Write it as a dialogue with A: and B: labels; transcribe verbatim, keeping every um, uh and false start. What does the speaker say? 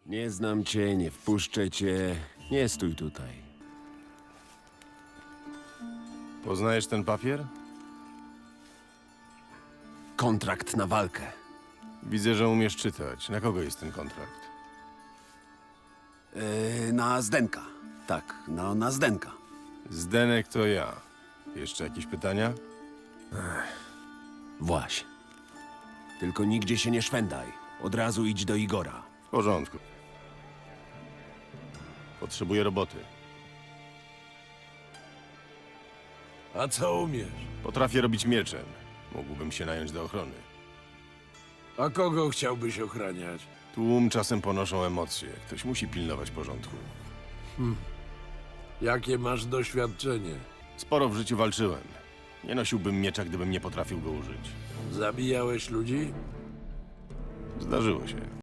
A: Nie znam cię, nie wpuszczę cię. Nie stój tutaj.
B: Poznajesz ten papier?
A: Kontrakt na walkę.
B: Widzę, że umiesz czytać. Na kogo jest ten kontrakt?
A: Yy, na Zdenka. Tak, no, na Zdenka.
B: Zdenek to ja. Jeszcze jakieś pytania?
A: Właśnie. Tylko nigdzie się nie szwendaj. Od razu idź do Igora.
B: W porządku. Potrzebuję roboty.
C: A co umiesz?
B: Potrafię robić mieczem. Mógłbym się nająć do ochrony.
C: A kogo chciałbyś ochraniać?
B: Tłum czasem ponoszą emocje. Ktoś musi pilnować porządku.
C: Jakie masz doświadczenie?
B: Sporo w życiu walczyłem. Nie nosiłbym miecza, gdybym nie potrafił go użyć.
C: Zabijałeś ludzi?
B: Zdarzyło się.